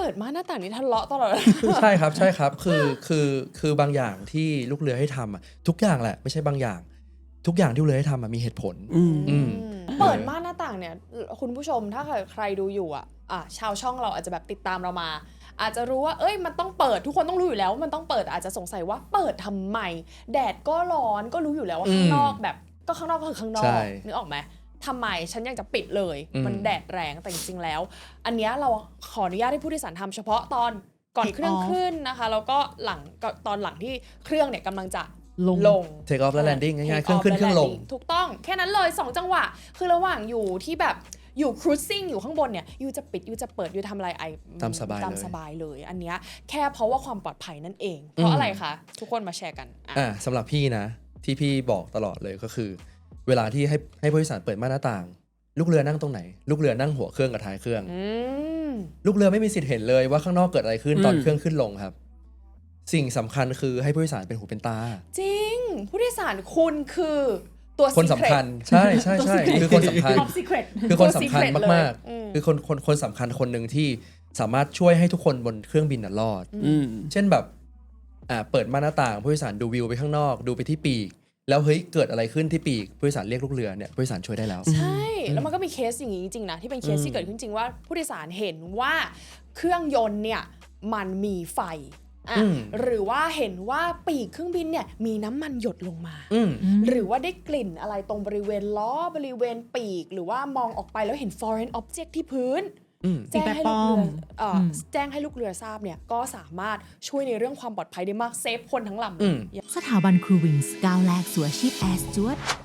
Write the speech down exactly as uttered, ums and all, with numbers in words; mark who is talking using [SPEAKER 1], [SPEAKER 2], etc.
[SPEAKER 1] ปิดม่านหน้าต่างนี้ทะเลาะตลอด
[SPEAKER 2] ใช่ครับใช่ครับคือคือคือบางอย่างที่ลูกเรือให้ทำอ่ะทุกอย่างแหละไม่ใช่บางอย่างทุกอย่างที่ลูกเรือให้ทำอ่ะมีเหตุผล
[SPEAKER 3] อืม
[SPEAKER 2] อืม
[SPEAKER 1] เปิดม่านหน้าต่างเนี่ยคุณผู้ชมถ้าใครดูอยู่อ่ะอ่ะชาวช่องเราอาจจะแบบติดตามเรามา อาจจะรู้ว่าเอ้ยมันต้องเปิดทุกคนต้องรู้อยู่แล้วว่ามันต้องเปิดอาจจะสงสัยว่าเปิดทำไมแดดก็ร้อนก็รู้อยู่แล้วว่าข้างนอกแบบก็ข้างนอกก็คือข้างนอกนึกออกไหมทำไมฉันยังจะปิดเลยมันแดดแรงแต่จริงๆแล้วอันนี้เราขออนุญาตให้ผู้โดยสารทำเฉพาะตอนก่อนเครื่องขึ้นนะคะแล้วก็หลังตอนหลังที่เครื่องเนี่ยกำลังจะลงลง
[SPEAKER 2] take off และ landing ง่ายๆเครื่องขึ้นเครื่องลง
[SPEAKER 1] ถูกต้องแค่นั้นเลยสองจังหวะคือระหว่างอยู่ที่แบบอยู่ cruising อยู่ข้างบนเนี่ยยูจะปิดยูจะเปิดยูทำอะไรไอ
[SPEAKER 2] ตามสบายเลย
[SPEAKER 1] ตามสบายเลยอันเนี้ยแค่เพราะว่าความปลอดภัยนั่นเองเพราะอะไรคะทุกคนมาแชร์กัน
[SPEAKER 2] อ่าสำหรับพี่นะที่พี่บอกตลอดเลยก็คือเวลาที่ให้ให้ผู้โดยสารเปิดม่านหน้าต่างลูกเรือนั่งตรงไหนลูกเรือนั่งหัวเครื่องกับท้ายเครื่องลูกเรือไม่มีสิทธิ์เห็นเลยว่าข้างนอกเกิดอะไรขึ้นตอนเครื่องขึ้นลงครับสิ่งสำคัญคือให้ผู้โดยสารเป็นหูเป็นตา
[SPEAKER 1] จริงผู้โดยสารคุณคือตัว
[SPEAKER 2] คนสำคัญใช่ใช่ใช่คือคนสำคัญคือคนสำคัญมากๆคือคนคนคนสำคัญคนหนึ่งที่สามารถช่วยให้ทุกคนบนเครื่องบินน่ะรอดเช่นแบบอ่าเปิดม่านหน้าต่างผู้โดยสารดูวิวไปข้างนอกดูไปที่ปีกแล้วเฮ้ยเกิดอะไรขึ้นที่ปีกผู้โดยสารเรียกลูกเรือเนี่ยผู้โดยสารช่วยได้แล้ว
[SPEAKER 1] ใช่แล้วมันก็มีเคสอย่างนี้จริงๆนะที่เป็นเคสที่เกิดขึ้นจริงว่าผู้โดยสารเห็นว่าเครื่องยนต์เนี่ยมันมีไฟอ่ะหรือว่าเห็นว่าปีกเครื่องบินเนี่ยมีน้ำมันหยดลงมาหรือว่าได้กลิ่นอะไรตรงบริเวณล้อบริเวณปีกหรือว่ามองออกไปแล้วเห็น foreign object ที่พื้นแจ้งให้ลูกเรือแจ้งให้ลูกเรือทราบเนี่ยก็สามารถช่วยในเรื่องความปลอดภัยได้มากเซฟคนทั้งลำ
[SPEAKER 4] สถาบันครูวิงส์ก้าวแรกสู่อาชีพแอร์สจ๊วต